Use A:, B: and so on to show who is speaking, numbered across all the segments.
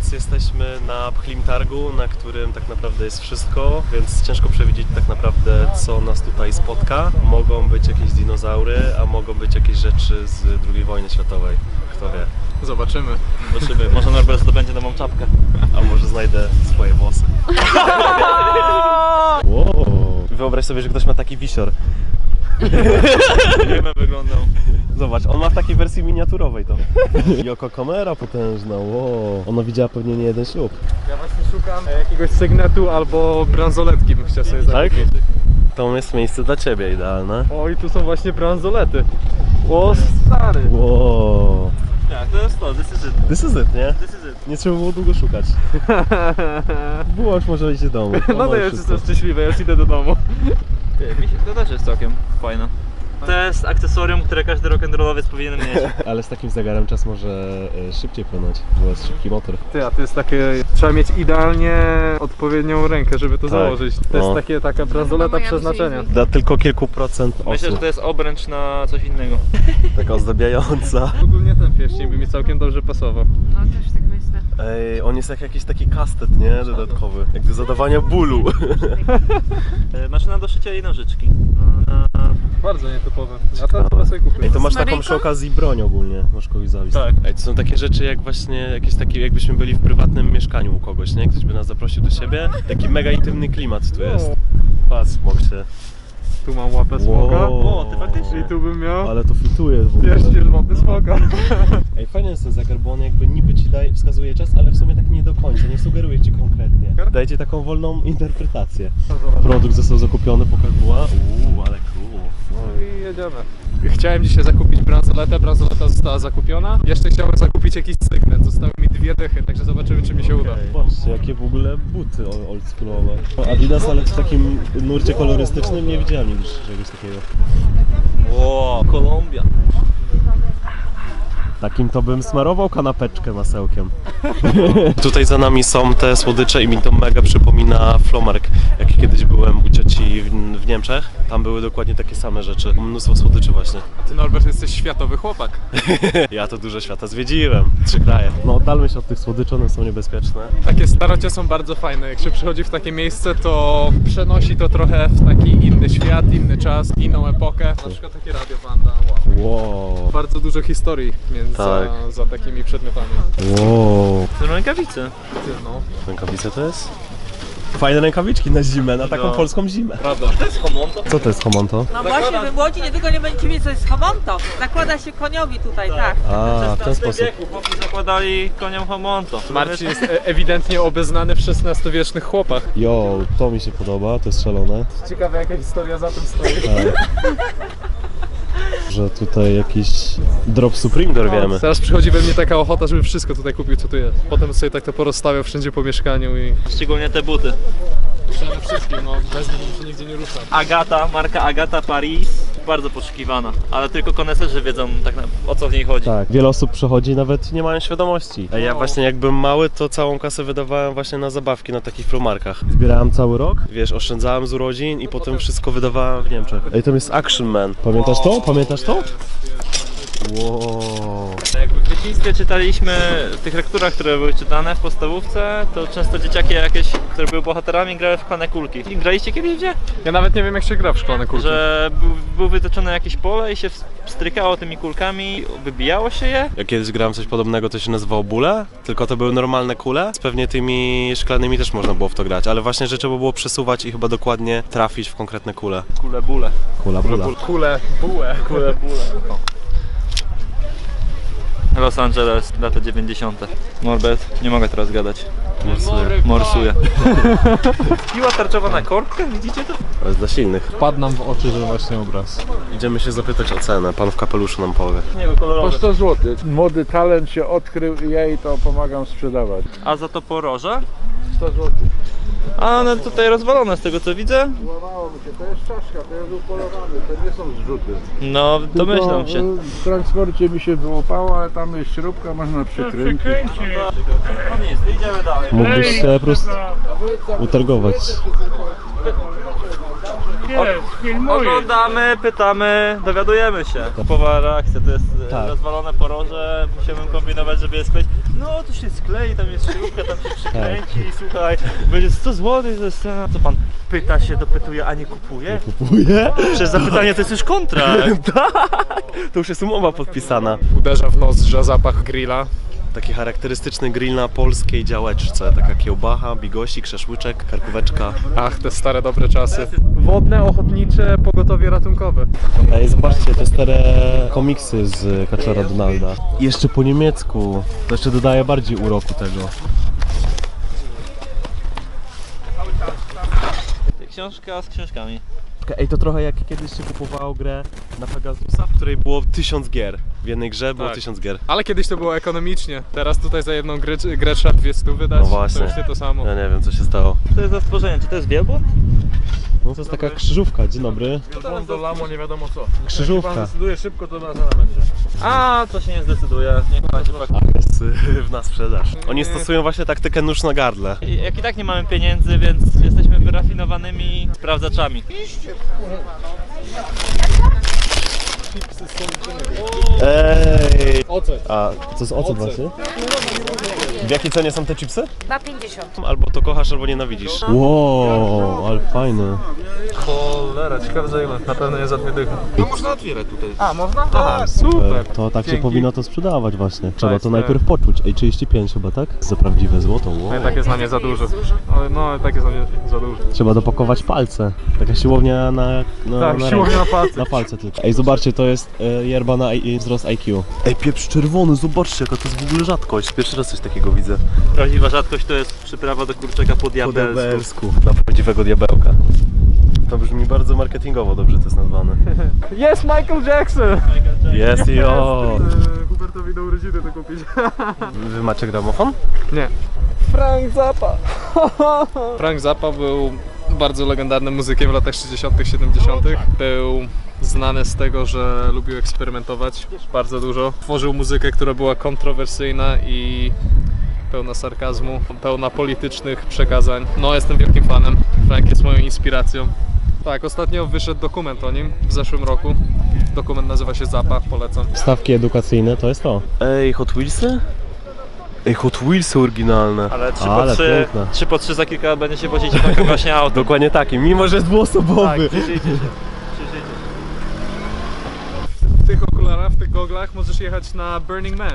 A: Teraz jesteśmy na Pchlim Targu, na którym tak naprawdę jest wszystko, więc ciężko przewidzieć tak naprawdę, co nas tutaj spotka. Mogą być jakieś dinozaury, a mogą być jakieś rzeczy z II wojny światowej. Kto wie?
B: Zobaczymy.
C: Zobaczymy. Może Norbert zdobędzie nową czapkę.
A: A może znajdę swoje włosy. Wow. Wyobraź sobie, że ktoś ma taki wisior.
C: Jak bym wyglądał.
A: Zobacz, on ma w takiej wersji miniaturowej to. Joko kamera potężna, wow. Ona widziała pewnie nie jeden ślub.
B: Ja właśnie szukam jakiegoś sygnetu albo bransoletki bym chciał sobie
A: Tak?
B: zakupić.
A: To jest miejsce dla ciebie idealne.
B: O, i tu są właśnie bransolety. O, stary.
A: Wow.
C: Tak, to jest to, this is it.
A: This is it, nie?
C: This is it.
A: Nie trzeba było długo szukać. Było już może iść do domu.
B: No to ja już jestem szczęśliwy, ja już idę do domu.
C: Mi się to też jest całkiem fajne. To jest akcesorium, które każdy rock'n'rollowiec powinien mieć.
A: Ale z takim zegarem czas może szybciej płynąć, bo jest szybki motor.
B: Ty, a to jest takie, trzeba mieć idealnie odpowiednią rękę, żeby to założyć. To jest taka bransoleta przeznaczenia.
A: Dla tylko kilku procent osób.
C: Myślę, że to jest obręcz na coś innego.
A: Taka ozdabiająca.
B: Ogólnie ten pierścień by mi całkiem dobrze pasował.
D: No też tak myślę.
A: Ej, on jest jak jakiś taki kastet, nie? Dodatkowy. Jak do zadawania bólu.
C: Maszyna do szycia i nożyczki.
B: Bardzo nietypowe. Ja to chyba sobie kupię.
A: Ej, to masz taką
D: Maryjką?
A: przy okazji broń ogólnie, możesz kogoś zabić.
C: Tak.
A: Ej, to są takie rzeczy jak właśnie, jakieś takie, jakbyśmy byli w prywatnym mieszkaniu u kogoś, nie? Ktoś by nas zaprosił do siebie. Taki mega intymny klimat tu jest. Patrz, smok się.
B: Tu mam łapę smoka.
A: Wow.
C: O, ty faktycznie.
B: I tu bym miał
A: Ale to fituje w ogóle.
B: pierścień łapy smoka.
A: Ej, fajny jest ten zegar, bo on jakby niby ci daje, wskazuje czas, ale w sumie tak nie do końca, nie sugeruje ci konkretnie. Daje ci taką wolną interpretację. Produkt został zakupiony po Kakua. Ale cool.
B: No i jedziemy. Chciałem dzisiaj zakupić bransoletę, bransoleta została zakupiona. Jeszcze chciałem zakupić jakiś sygnet, zostały mi 2 dychy, także zobaczymy czy mi się uda.
A: Patrzcie, jakie w ogóle buty oldschoolowe. Adidas, ale w takim nurcie kolorystycznym nie widziałem nigdy czegoś takiego.
C: Wow, Kolumbia.
A: Takim to bym smarował kanapeczkę masełkiem. Tutaj za nami są te słodycze i mi to mega przypomina Flomark. Jak kiedyś byłem u cioci w Niemczech, tam były dokładnie takie same rzeczy. Mnóstwo słodyczy właśnie.
B: A ty, Norbert, jesteś światowy chłopak.
A: Ja to dużo świata zwiedziłem. 3 kraje. No oddalmy się od tych słodyczy, one są niebezpieczne.
B: Takie starocie są bardzo fajne. Jak się przychodzi w takie miejsce, to przenosi to trochę w taki inny świat, inny czas, inną epokę. Na przykład takie Radio Wanda. Wow.
A: Wow.
B: Bardzo dużo historii między
A: Tak.
B: za takimi przedmiotami.
A: Wow.
C: To są rękawice.
B: Ty, no.
A: Rękawice to jest? Fajne rękawiczki na zimę, na taką
C: No.
A: polską zimę.
B: Prawda.
C: To jest homonto.
A: Co to jest homonto?
D: No właśnie, wy młodzi niedługo nie będziecie wiedzieć, co jest homonto. Nakłada się koniowi tutaj, tak.
A: A, w ten sposób.
C: wieku chłopi zakładali koniom homonto.
B: Marcin jest ewidentnie obeznany w XVI-wiecznych chłopach.
A: Jo, to mi się podoba, to jest szalone.
B: Ciekawe jaka historia za tym stoi.
A: Że tutaj jakiś drop Supreme dorwiemy.
B: Teraz przychodzi we mnie taka ochota, żeby wszystko tutaj kupił, co tu jest. Potem sobie tak to porozstawiał wszędzie po mieszkaniu i...
C: Szczególnie te buty.
B: Przede wszystkim, no bez nich się nigdzie nie rusza.
C: Agata, marka Agata Paris. Bardzo poszukiwana, ale tylko koneserzy wiedzą tak o co w niej chodzi.
A: Tak, wiele osób przechodzi nawet nie mają świadomości. Ja właśnie jak byłem mały, to całą kasę wydawałem właśnie na zabawki na takich Flomarkach. Zbierałem cały rok, wiesz, oszczędzałem z urodzin i potem wszystko wydawałem w Niemczech. Ej, to jest Action Man. Pamiętasz to? Pamiętasz to? Wow.
C: Jakby w dzieciństwie czytaliśmy w tych lekturach, które były czytane w podstawówce, to często dzieciaki jakieś, które były bohaterami, grały w szklane kulki. I graliście kiedyś gdzie?
B: Ja nawet nie wiem jak się gra w szklane kulki.
C: Że było wytyczone jakieś pole i się strykało tymi kulkami, wybijało się je.
A: Ja kiedyś grałem coś podobnego, to się nazywało bóle, tylko to były normalne kule. Z pewnie tymi szklanymi też można było w to grać, ale właśnie że trzeba było przesuwać i chyba dokładnie trafić w konkretne kule.
C: Kule bóle.
A: Kula, bula.
B: Kule, bułę.
C: Kule bóle. Los Angeles, lata 90. Norbert, nie mogę teraz gadać. Morsuję. Piła tarczowa na korbkę, widzicie to?
A: To jest dla silnych.
B: Wpadł nam w oczy, że właśnie obraz.
A: Idziemy się zapytać o cenę, pan w kapeluszu nam powie.
C: Nie, bo
E: Po
C: kolorowe.
E: 100 zł. Młody talent się odkrył i ja jej to pomagam sprzedawać.
C: A za to poroże?
E: 100 zł.
C: A one tutaj rozwalone z tego co widzę.
E: Złamało mi się, to jest czaszka, to jest upolowany, to nie są zrzuty.
C: No, domyślam
E: Tylko,
C: się.
E: w transporcie mi się wyłapało, ale tam jest śrubka, można przykręcić.
C: No nic, idziemy dalej.
A: Mógłbyś się po prostu utargować.
C: Oglądamy, pytamy, dowiadujemy się. Typowa reakcja, to jest
A: Tak.
C: rozwalone poroże, musiałbym kombinować, żeby je skleić. No tu się sklei, tam jest śrubka, tam się przykręci i słuchaj, będzie 100 zł, to jest... Co pan pyta się, dopytuje, a nie kupuje?
A: Kupuje?
C: Przez zapytanie to jest już kontrakt.
A: Tak! To już jest umowa podpisana.
B: Uderza w nozdrza zapach grilla.
A: Taki charakterystyczny grill na polskiej działeczce. Taka kiełbacha, bigosik, szaszłyczek, karkóweczka.
B: Ach, te stare dobre czasy. Wodne, ochotnicze, pogotowie ratunkowe.
A: Ej, zobaczcie, te stare komiksy z Kaczora Donalda. I jeszcze po niemiecku. To jeszcze dodaje bardziej uroku tego.
C: Książka z książkami.
A: Ej, to trochę jak kiedyś się kupowało grę na Pegasusa, w której było 1000 gier. W jednej grze było
B: Tak.
A: 1000 gier.
B: Ale kiedyś to było ekonomicznie. Teraz tutaj za jedną grę trzeba 200 wydać.
A: No właśnie.
B: To już nie to samo.
A: Ja nie wiem, co się stało.
C: To jest za stworzenie, czy to jest wielbłąd?
A: No to jest taka krzyżówka, dzień dobry.
E: Do lamo nie wiadomo co.
A: Krzyżówka.
E: Decyduje szybko, to na zaraz będzie.
C: A, to się nie zdecyduje. Niech pan się pak...
A: A, jest na sprzedaż. Oni stosują właśnie taktykę nóż na gardle.
C: Jak i tak nie mamy pieniędzy, więc jesteśmy wyrafinowanymi sprawdzaczami.
A: Ej!
B: Ocet.
A: A, to jest ocet właśnie? W jakiej cenie są te chipsy?
D: Na 50.
A: Albo to kochasz, albo nienawidzisz. Wow, ale fajne.
B: Cholera, ciekawe za ile. Na pewno nie za 2 dychy.
E: No można otwierać tutaj.
B: A, można? Aha, super.
A: To tak się
B: Dzięki.
A: powinno to sprzedawać właśnie. Trzeba
B: Tak,
A: to
B: tak.
A: najpierw poczuć. Ej, 35 chyba, tak? Za prawdziwe złoto, wow.
B: No i tak jest na nie za dużo. Ale no, tak jest na nie za dużo.
A: Trzeba dopakować palce. Taka siłownia na
B: Tak,
A: na
B: siłownia
A: ręce.
B: na palce.
A: Na palce tylko. Ej, zobaczcie, to jest yerba na wzrost IQ. Ej, pieprz czerwony, zobaczcie, jaka to jest w ogóle rzadkość. Pierwszy raz coś takiego widzę.
C: Prawdziwa rzadkość to jest przyprawa do kurczaka po diabelsku.
A: Na prawdziwego diabełka. To brzmi bardzo marketingowo dobrze to jest nazwane.
B: Jest Michael Jackson!
A: Jest i o.
B: Hubertowi do urodziny to kupić.
A: Wy macie gramofon?
B: Nie. Frank Zappa. Frank Zappa był bardzo legendarnym muzykiem w latach 60., 70. Był znany z tego, że lubił eksperymentować bardzo dużo. Tworzył muzykę, która była kontrowersyjna i pełna sarkazmu, pełna politycznych przekazań. No, jestem wielkim fanem. Frank jest moją inspiracją. Tak, ostatnio wyszedł dokument o nim w zeszłym roku. Dokument nazywa się Zappa, polecam.
A: Stawki edukacyjne to jest to. Ej, Hot Wheelsy? Ej, Hot Wheelsy oryginalne.
C: Ale 3
A: Ale
C: po 3,
A: piękne.
C: 3 po 3 za kilka lat będzie się wozić takie właśnie auto.
A: Dokładnie taki, mimo że jest dwuosobowy.
C: Cieszyjcie się.
B: W tych okularach, w tych goglach możesz jechać na Burning Man.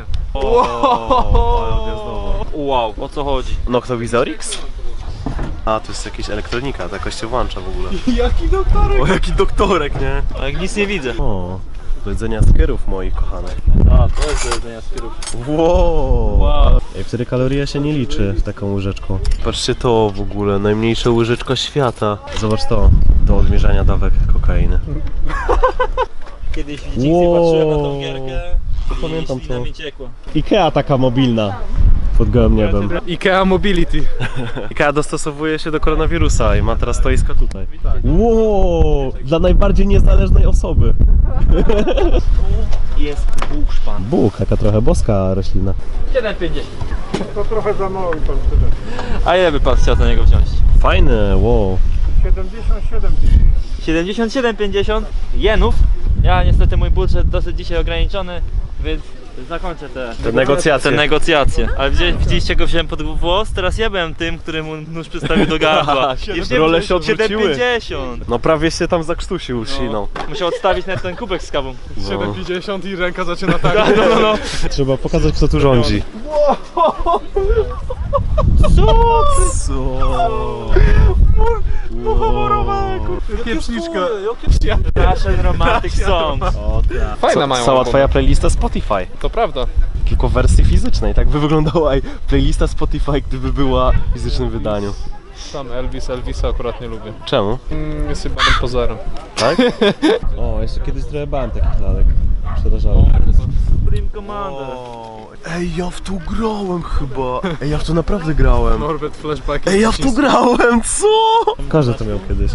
C: Wow, o co chodzi?
A: Noctowizorix? A, to jest jakaś elektronika, ta jakoś się włącza w ogóle.
B: Jaki doktorek!
A: O, jaki doktorek, nie?
C: A jak nic nie widzę.
A: O, do jedzenia skierów moich kochanych.
C: A, to jest do jedzenia skierów.
A: Wow.
C: Wow.
A: Ej, wtedy kaloria się nie liczy taką łyżeczką. Patrzcie to w ogóle, najmniejsza łyżeczka świata. Zobacz to, do odmierzania dawek kokainy.
C: Kiedyś w dzieciństwie
A: Wow.
C: patrzyłem na tą gierkę i
A: Pamiętam
C: ślina
A: to.
C: mi ciekła.
A: Ikea taka mobilna. Pod gołym niebem.
B: IKEA Mobility.
A: Ikea dostosowuje się do koronawirusa i ma teraz stoiska tutaj. Wow, dla najbardziej niezależnej osoby.
C: Jest buszpan.
A: Bóg, taka trochę boska roślina.
C: 7,50.
E: To trochę za mało i pan wtedy.
C: A ile by pan chciał za niego wziąć?
A: Fajne, wow.
E: 77.
C: 77,50 jenów. Ja niestety mój budżet dosyć dzisiaj ograniczony, więc zakończę te negocjacje. Ale widzieliście go wziąłem pod włos, teraz ja byłem tym, któremu nóż przystawił do gardła.
A: Role się odwróciły.
C: 7,50.
A: No prawie się tam zakrztusił śliną.
C: Musiał odstawić nawet ten kubek z kawą.
B: 7,50 i ręka zaczyna tak.
C: No.
A: Trzeba pokazać, kto tu rządzi. Co?
B: Pieprzniczka.
C: Russian Romantic Songs.
A: O, tak.
B: Fajna mają
A: Cała
B: album.
A: twoja playlista Spotify.
B: To prawda.
A: Tylko w wersji fizycznej, tak by wyglądała playlista Spotify, gdyby była w fizycznym wydaniu.
B: Sam Elvisa akurat nie lubię.
A: Czemu?
B: Jest chyba pozerem.
A: Tak? O, jeszcze kiedyś trochę bałem takich lalek. Przerażało.
C: Supreme Commander.
A: Ej, ja w to grałem chyba. Ej, ja w to naprawdę grałem.
B: Norbert Flashback.
A: Ej, ja w to grałem, co? Każdy to miał kiedyś.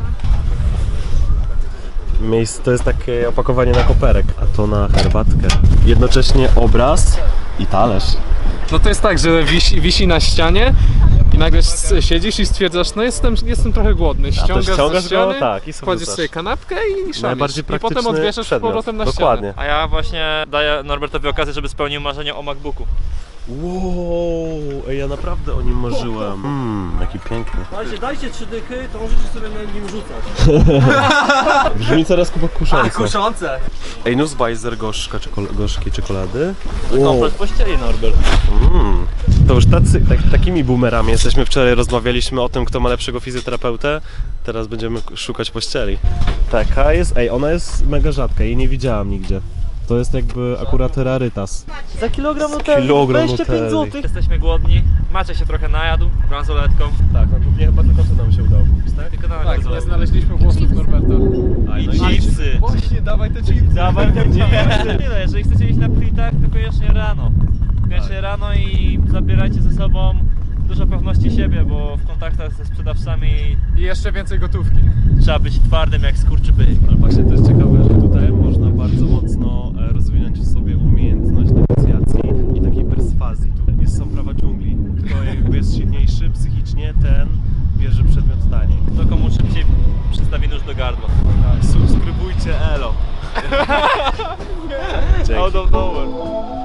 A: Miejsce to jest takie opakowanie na koperek, a to na herbatkę. Jednocześnie obraz i talerz.
B: No to jest tak, że wisi na ścianie i nagle siedzisz i stwierdzasz, no jestem trochę głodny. Ściągasz ze ściany,
A: tak, i sobie
B: kładziesz
A: wrzucasz.
B: sobie kanapkę i szanisz.
A: Najbardziej
B: I potem
A: praktyczny
B: odwieszasz z
A: przedmiot.
B: powrotem na
A: Dokładnie.
C: A ja właśnie daję Norbertowi okazję, żeby spełnił marzenie o MacBooku.
A: Wow, ej, ja naprawdę o nim marzyłem. Jaki piękny.
F: Dajcie 3 dychy, to możecie sobie na nim rzucać.
A: Brzmi coraz kusząco.
F: Kuszące!
A: Ej, Nussbeiser gorzkiej czekolady.
C: Komplet pościeli, Norbert.
A: To już takimi boomerami jesteśmy. Wczoraj rozmawialiśmy o tym, kto ma lepszego fizjoterapeutę. Teraz będziemy szukać pościeli. Taka jest, ona jest mega rzadka, jej nie widziałam nigdzie. To jest jakby akurat rarytas.
C: Za kilogram Nutelli,
A: Kilogram
C: 25
A: Nutelli.
C: zł. Jesteśmy głodni, Macie się trochę najadł bransoletką.
A: Tak, no głównie chyba tylko co nam się udało kupić, tak?
C: Tylko na
B: Tak,
C: bransoletkę.
B: nie znaleźliśmy włosów Norberta.
C: I chipsy.
B: Właśnie, dawaj te chipsy.
C: Dawaj te chipsy. Tyle, jeżeli chcecie iść na plitach, to koniecznie rano. Koniecznie rano i zabierajcie ze sobą dużo pewności siebie, bo w kontaktach ze sprzedawcami
B: I jeszcze więcej gotówki.
C: trzeba być twardym jak skurczybyk.
A: Ale właśnie to jest ciekawe, że tutaj można bardzo mocno rozwinąć w sobie umiejętność negocjacji i takiej perswazji. Tu są prawa dżungli. Kto jakby jest silniejszy psychicznie, ten bierze przedmiot taniej.
C: To komu szybciej przystawi nóż do gardła.
A: Tak, subskrybujcie Elo. Dzięki.
C: Out of nowhere.